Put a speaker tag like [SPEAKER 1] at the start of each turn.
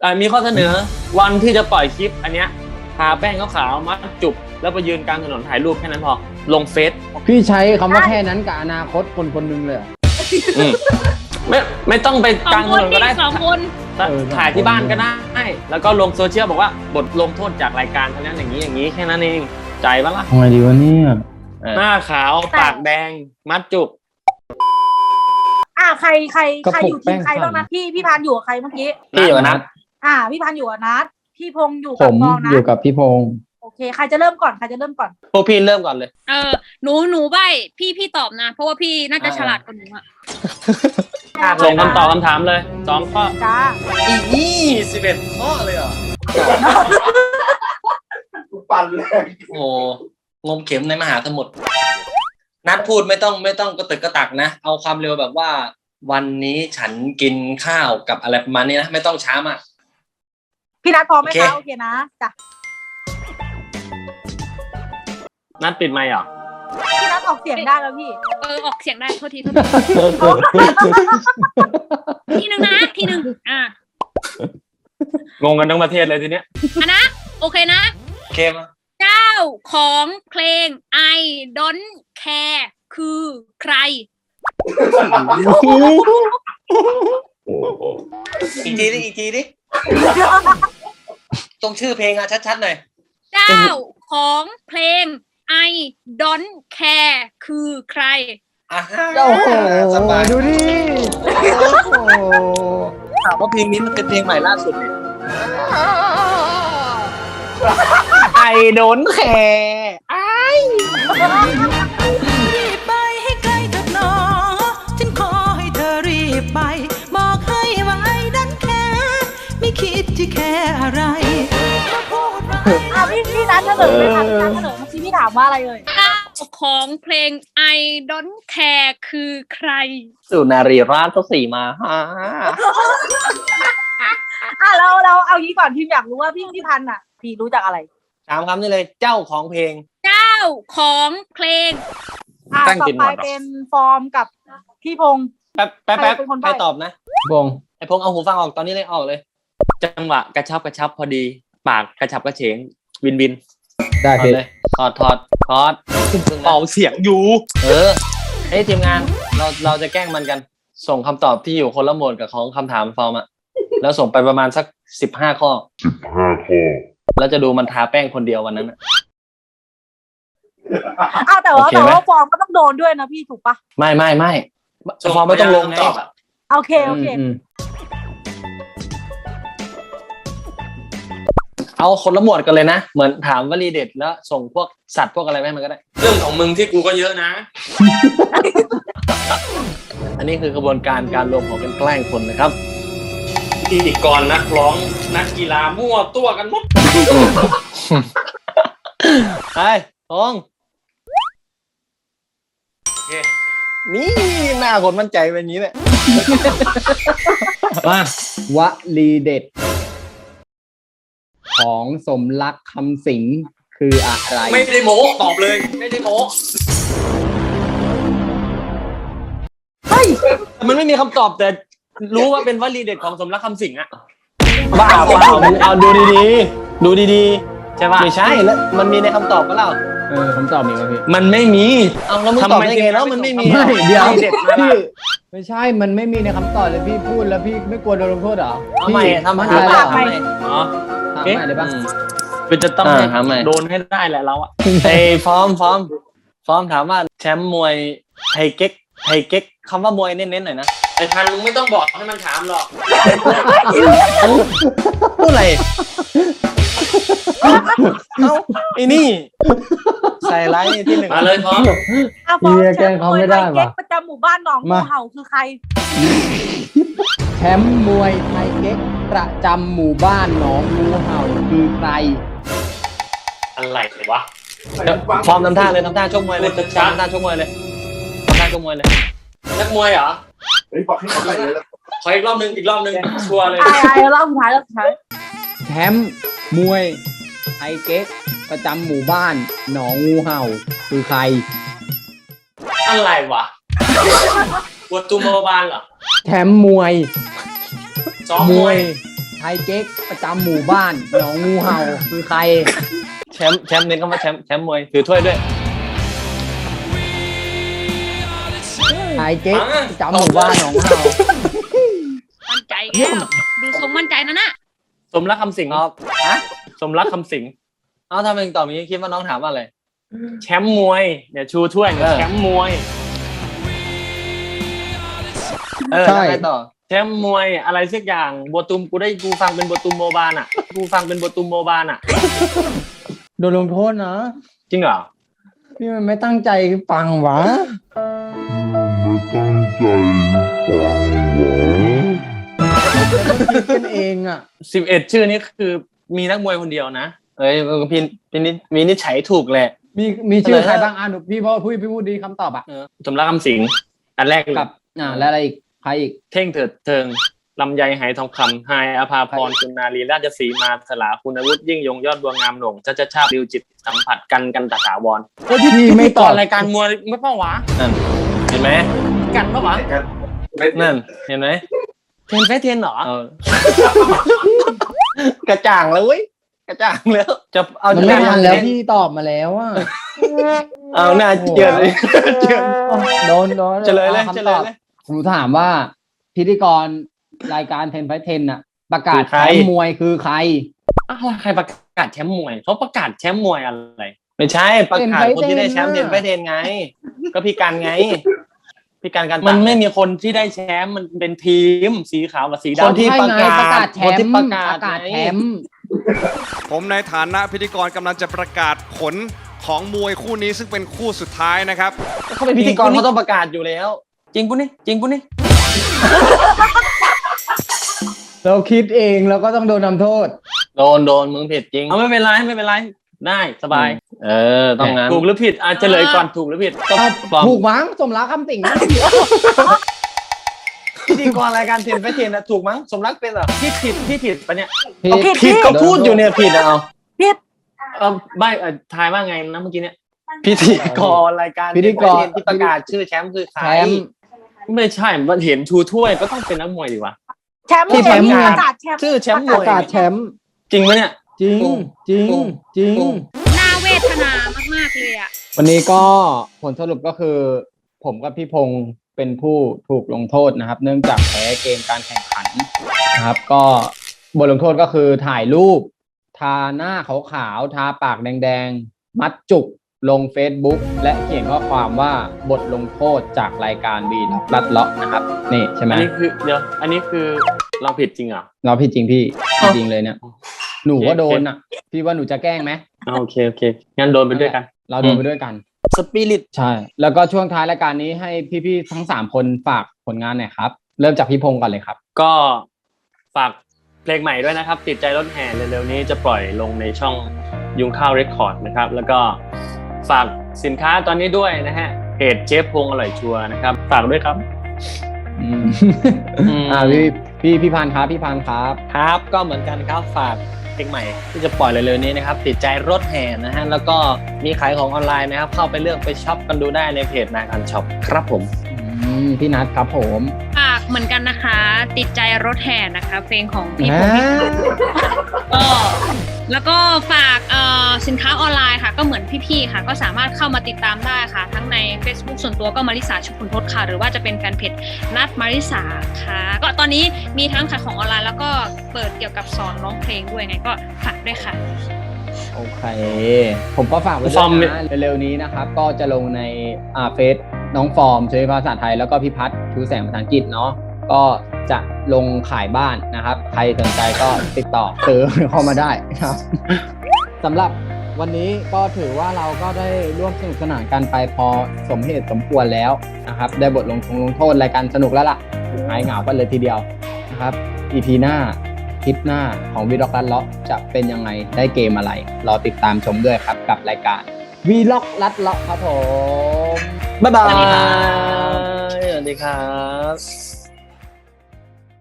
[SPEAKER 1] มีข้อเสนอวันที่จะปล่อยคลิปอันเนี้ยทาแป้งขาวๆมัดจุกแล้วไปยืนกลางถนนถ่ายรูปแค่นั้นพอลงเฟซ
[SPEAKER 2] พี่ใช้คำว่าแค่นั้นกับอนาคตคนคนหนึงเลยเหรอ
[SPEAKER 1] ไม่ต้องไปกลางถนนก็ได้
[SPEAKER 3] สองคน
[SPEAKER 1] ถ่ายที่บ้านก็ได้แล้วก็ลงโซเชียลบอกว่าบทลงโทษจากรายการเท่านั้นอย่างนี้แค่นั้นเองใจปะล่ะ
[SPEAKER 2] ทำไงดีวะเนี่ย
[SPEAKER 1] หน้าขาวปากแดงมัดจุก
[SPEAKER 4] ใครอยู่ทีมใครบ้างนะพี่พันอยู่กับใครเมื่อกี้
[SPEAKER 1] พี่อยู่กับนัท
[SPEAKER 4] พี่พันอยู่กับนัทพี่พงษ์อยู่
[SPEAKER 2] ผ
[SPEAKER 4] กับ
[SPEAKER 2] ม
[SPEAKER 4] ฟองนะ
[SPEAKER 2] อยู่กับพี่พงษ์
[SPEAKER 4] โอเคใครจะเริ่มก่อน
[SPEAKER 1] พวกพี่เริ่มก่อนเลย
[SPEAKER 3] หนูใบพี่ตอบนะ เพราะว่าพี่น่าจะฉลาดกว่าหนูอะ
[SPEAKER 1] ส่งคำตอบคำถามเลย2 ข้อ
[SPEAKER 4] จ้า
[SPEAKER 1] อี11 ข้อเลยเหรอ
[SPEAKER 5] ปั่นแรง
[SPEAKER 1] โอ้งมเข็มในมหาสมุทรนัดพูดไม่ต้องกระตึกกระตักนะเอาความเร็วแบบว่า วันนี้ฉันกินข้าวกับอะไรประมาณนี้นะไม่ต้องช้ามาก
[SPEAKER 4] พี่นัทพร้อมไหม
[SPEAKER 1] โอเค
[SPEAKER 4] คะโอเคนะจ้ะ
[SPEAKER 1] นัดปิดไมค์เหรอ
[SPEAKER 4] พี่นัทออกเสียงได้แล้วพี่
[SPEAKER 3] ออกเสียงได้โทษทีทีหนึ่งอ่ะ
[SPEAKER 1] งงกันทั้งประเทศเลยทีเนี้ย
[SPEAKER 3] นะโอเคนะ
[SPEAKER 1] โอเคมา
[SPEAKER 3] เจ้าของเพลง I don't care คือใคร
[SPEAKER 1] อีกทีดิตรงชื่อเพลงอะชัดๆหน่อย
[SPEAKER 3] เจ้าของเพลง I don't care คือใคร
[SPEAKER 1] อ่ะ
[SPEAKER 2] โอ้โห
[SPEAKER 1] สบาย
[SPEAKER 2] ดูดิโอ้โห
[SPEAKER 1] ถามว่าเพลงนี้มันเป็นเพลงใหม่ล่าสุดเนี่ยไอโดนแคร์ไอ
[SPEAKER 6] รีบไปให้ไกลเถิดหนอฉันขอให้เธอรีบไปบอกให้ว่าไอ้ดันแค่ไม่คิดที่แค่อะไรมาพูดว่า
[SPEAKER 4] พี่นัทเฉลยเลยค่ะพี่นัทเฉลยเมื่อกี้พี่ถามว่าอะไรเลย
[SPEAKER 3] เจ้าของเพลง I don't care คือใคร
[SPEAKER 1] สุนารีราชเขาสี่มาฮะ
[SPEAKER 4] เราเอางี้ก่อนทีมอยากรู้ว่าพี่พันธ์อ่ะพี่รู้จักอะไร
[SPEAKER 1] ถามคำนี้เลยเจ้าของเพลง
[SPEAKER 3] เจ้าของเพลง
[SPEAKER 1] ตั้ง
[SPEAKER 4] ต่อ
[SPEAKER 1] กินห
[SPEAKER 4] ไป
[SPEAKER 1] มด
[SPEAKER 4] เป็นฟอร์มกับพี่พงษ์
[SPEAKER 1] แป๊บ
[SPEAKER 4] ใครเป็นคนใบ้
[SPEAKER 1] ใครตอบนะ
[SPEAKER 2] พี่พงษ์
[SPEAKER 1] ไอพงษ์เอาหูฟังออกตอนนี้เลยออกเลย จังหวะกระชับพอดี ปากกระฉับกระเฉงวิน
[SPEAKER 2] ได้
[SPEAKER 1] ถอด
[SPEAKER 2] พี่
[SPEAKER 1] เลยถอดเป่าเสียงอยู่เฮ้ยทีมงานเราจะแกล้งมันกัน ส่งคำตอบที่อยู่คนละโหมดกับของคำถามฟอร์มอะแล้วส่งไปประมาณสัก15 ข้อแล้วจะดูมันทาแป้งคนเดียววันนั้นอะ
[SPEAKER 4] แต่
[SPEAKER 1] โอเคไหม
[SPEAKER 4] ว่าฟอร์มก็ต้องโดนด้วยนะพี่ถูกปะ
[SPEAKER 1] ไม่ฟอร์มไม่ต้องลงไง
[SPEAKER 4] โอเค
[SPEAKER 2] อืม
[SPEAKER 1] เอาคนละหมวดกันเลยนะเหมือนถามวลีเด็ดแล้วส่งพวกสัตว์พวกอะไรไปให้มันก็ได้ เรื่องของมึงที่กูก็เยอะนะ อันนี้คือกระบวนการรวมของกันแกล้งคนนะครับพิธีกรนักร้องนักกีฬามั่วตัวกันหมดไปทองโอเคนี่หน้าคนมั่นใจเป็นอย่างนี้แหละมา
[SPEAKER 2] วลีเด็ด ของสมรักคำสิงคืออะไร
[SPEAKER 1] ไม่ได้โม้ตอบเลยไม่ได้โม้มันไม่มีคำตอบแต่รู้ว่าเป็นวลีเด็ดของสมรักคำสิงห์อะบ้าเอาดูดีๆใช่ป่ะไม่ใช่แล้วมันมีในคำตอบก็เล่า
[SPEAKER 2] คำตอบมีไหมพี่
[SPEAKER 1] มันไม่มีเอาแล้วมึงตอบได้ไงแล้วมันไม่มี
[SPEAKER 2] ไม่เดี๋ยว
[SPEAKER 1] วลีเด็ดมา
[SPEAKER 2] พี่ไม่ใช่มันไม่มีในคำตอบเลยพี่พูดแล้วพี่ไม่กลัวโดนลงโทษเหรอ
[SPEAKER 1] ทำไมทำไม
[SPEAKER 2] พี่
[SPEAKER 1] ทำไมอ๋อ
[SPEAKER 2] ถามใหม่เลยปะ
[SPEAKER 1] เป็นจะต้องถามใหม่โดนให้ได้แหละเราอะไอ้ฟอร์มถามว่าแชมป์มวยไทเก๊กคำว่ามวยเน้นๆหน่อยนะไอ้พันมึงไม่ต้องบอกให้มันถามหรอกพูดอะไรเอาไอ้นี่ใส่ไลน์ที่หนึ่งมาเลยพร้อม
[SPEAKER 4] ฟอร์ม
[SPEAKER 2] เฮียแกล้งเขาไม่ได้
[SPEAKER 4] เก๊
[SPEAKER 2] ว่ะ
[SPEAKER 4] กประจำหมู่บ้านหนองงูเห่าคือใคร
[SPEAKER 2] แชมป์มวยไทยเก๊กประจำหมู่บ้านหนองงูเห่าคือใคร
[SPEAKER 1] อะไรวะฟอร์มทำท่าเลยทำท่าชกมวยเลยทำท่าชกมวยเลยนักมวยเหรอ
[SPEAKER 5] เฮ้ยบอกให้เข้าไปเลยแล้ว
[SPEAKER 1] ขออีกรอบนึงชัวร์เลย
[SPEAKER 4] รอบสุดท้าย
[SPEAKER 2] แชมป์มวยไทยเก๊กประจำหมู่บ้านหนองงูเห่าคือใคร
[SPEAKER 1] อะไรวะปวดตุ่มเบาบานเหรอ
[SPEAKER 2] แชมป์มวย
[SPEAKER 1] ซ้อมมวย
[SPEAKER 2] ไทไทยเก๊กประจำหมู่บ้านหนองงูเห่าคือใคร
[SPEAKER 1] แชมป์เน้นคำว่าแชมป์มวยถือถ้วยด้วย
[SPEAKER 2] ไทยเก๊กประจำหมู่บ้านหนองงูเห่า
[SPEAKER 3] มั่นใจแก้วดูทรงมั่นใจนะน่ะ
[SPEAKER 1] สมรักคำสิงครับฮะสมรักคำสิงเอาทำไมถึงตอบอย่างนี้คิดว่าน้องถามว่าอะไรแชมป์มวยเนี่ยชูถ้วยเนี่ยแชมป์มวยแล้วไงต่อแชมป์มวยอะไรสักอย่างบัวตุมกูฟังเป็นบัวตุมโมบานอ่ะ
[SPEAKER 2] โดนลงโทษนะ
[SPEAKER 1] จริงเหรอ
[SPEAKER 2] พี่มันไม่ตั้งใจฟังวะคิดกันเองอ่ะ
[SPEAKER 1] 11 ชื่อนี้คือมีนักมวยคนเดียวนะเอ้ยพี่นิจฉัยถูกแหละ
[SPEAKER 2] มีชื่อใครบ้างอ่ะหนูพี่พูดดีคำตอบอ่ะ
[SPEAKER 1] สมรักคำสิงอันแรก
[SPEAKER 2] กับแล้วอะไรอีกใครอีก
[SPEAKER 1] เท่งเถิดเทิงลำไยไหทองคำไฮอภาพรคุณนารีราชสีมาสลาคุณอาวุธยิ่งยงยอดบัวงามหลงชาบิวจิตสัมผัสกันตถาวร
[SPEAKER 2] พี่ไม่ต
[SPEAKER 1] ก่
[SPEAKER 2] อ
[SPEAKER 1] อบ นรายการมวยไม่เป้าวะนั่นเห็นไหมกันปะวะนั่นเห็นไหมเทนเหรอ กระจ่างแล้วเว้ยกระจ่างแล้วจะเอา
[SPEAKER 2] มันไม่ทันแล้วพี่ตอบมาแล้วอ่ะ
[SPEAKER 1] เอาหน้าเจือนเลยเจือน
[SPEAKER 2] โดน
[SPEAKER 1] เฉลยเลย
[SPEAKER 2] ผมถามว่าพิธีกรรายการ10 Fight 10น่ะประกาศแชมป์มวยคือใคร
[SPEAKER 1] อ้าวใครประกาศแชมป์มวยเขาประกาศแชมป์มวยอะไรไม่ใช่ประกาศคนที่ได้แชมป์10 Fight 10ไงก็พี่กันไงพี่กันมันไม่มีคนที่ได้แชมป์มันเป็นทีมสีขาวกับสีดำคนที่ประกาศแชมป์
[SPEAKER 7] ผมในฐานะพิธีกรกำลังจะประกาศผลของมวยคู่นี้ซึ่งเป็นคู่สุดท้ายนะครับ
[SPEAKER 1] เขาเป็นพิธีกรเขาต้องประกาศอยู่แล้วจริงปุ๊นี่
[SPEAKER 2] เราคิดเองเราก็ต้องโดนทำโทษ
[SPEAKER 1] โดนมึงผิดจริงไม่เป็นไรได้สบายต้องงั้นถูกหรือผิดอาจจะเลยก่อนถูกหรือผิดก็
[SPEAKER 2] ถูกมั้งสมรักคำสิงนะ
[SPEAKER 1] พิธีกรรายการเทนไปเทนนะถูกมั้งสมรักเป็นเหรอพี่ผิดปะเนี่ยผิดก็พูดอยู่เนี่ยผิดเอาใบทายว่าไงนะเมื่อกี้เนี่ยพิธีกรรายการที่ประกาศชื่อแชมป์คือใครไม่ใช่มันเห็นชูถ้วยก็ต้องเป็นนักมวยดีวะ
[SPEAKER 4] แชมป์ประกาศแชมป์
[SPEAKER 1] ชื่อแชมป์มวย
[SPEAKER 2] ประกาศแชมป์
[SPEAKER 1] จริงไหมเนี่ย
[SPEAKER 2] จริง
[SPEAKER 3] น่าเวทนามากๆเลยอ่ะ
[SPEAKER 2] วันนี้ก็ผลสรุปก็คือผมกับพี่พงษ์เป็นผู้ถูกลงโทษนะครับเนื่องจากแพ้เกมการแข่งขันนะครับก็บทลงโทษก็คือถ่ายรูปทาหน้าขาวๆทาปากแดงๆมัดจุกลง Facebook และเขียนข้อความว่าบทลงโทษจากรายการวีลัดเลาะนะครับนี่ใช่ไหม
[SPEAKER 1] อันนี้คือเราผิดจริงเหรอ
[SPEAKER 2] เราผิดจริงพี่จริงเลยเนี่ยหนูก็โดนอ่ะพี่ว่าหนูจะแกล้งไหม
[SPEAKER 1] โอเคงั้นโดนไปด้วยกัน
[SPEAKER 2] เราโดนไปด้วยกัน
[SPEAKER 1] สปิริต
[SPEAKER 2] ใช่แล้วก็ช่วงท้ายรายการนี้ให้พี่ๆทั้ง3คนฝากผลงานหน่อยครับเริ่มจากพี่พงษ์ก่อนเลยครับ
[SPEAKER 1] ก็ฝากเพลงใหม่ด้วยนะครับติดใจรถแห่เร็วๆนี้จะปล่อยลงในช่องยุงข้าวเรคคอร์ดนะครับแล้วก็ฝากสินค้าตอนนี้ด้วยนะฮะเพจเชฟพงษ์อร่อยชัวร์นะครับฝากด้วยครับ
[SPEAKER 2] พี่พานครับ
[SPEAKER 1] ก็เหมือนกันครับฝากเพลงใหม่ที่จะปล่อยเร็วๆนี้นะครับติดใจรถแห่นะฮะแล้วก็มีขายของออนไลน์นะครับเข้าไปเลือกไปช็อปกันดูได้ในเพจนาคันช็อปครับผม
[SPEAKER 2] พี่นัทครับผม
[SPEAKER 3] ฝากเหมือนกันนะคะติดใจรถแห่นะคะเพลงของพี่พงษ์แล้วก็ฝากสินค้าออนไลน์ค่ะก็เหมือนพี่ๆค่ะก็สามารถเข้ามาติดตามได้ค่ะทั้งใน Facebook ส่วนตัวก็มาริสาชุมพลทศค่ะหรือว่าจะเป็นแฟนเพจนัทมาริสาค่ะก็ตอนนี้มีทั้งขายของออนไลน์แล้วก็เปิดเกี่ยวกับสอนร้องเพลงด้วยไงก็ฝากด้วยค่ะ
[SPEAKER 2] โอเคผมก็ฝากไว้ด้วยนะเร็วๆนี้นะครับก็จะลงในเฟซน้องฟอร์มช่วยภาษาไทยแล้วก็พี่พัฒน์ชูแสงภาษาอังกฤษเนาะก็จะลงขายบ้านนะครับใครสนใจก็ติดต่อซื้อเข้ามาได้ครับสำหรับวันนี้ก็ถือว่าเราก็ได้ร่วมสนุกสนานกันไปพอสมเหตุสมควรแล้วนะครับได้บทลงโทษรายการสนุกแล้วล่ะหายเหงากันเลยทีเดียวนะครับ EP หน้าคลิปหน้าของวีล็อกลัดเลาะจะเป็นยังไงได้เกมอะไรรอติดตามชมด้วยครับกับรายการวีล็อกลัดเลาะครับผม
[SPEAKER 1] บ๊ายบายสวัสดีครับ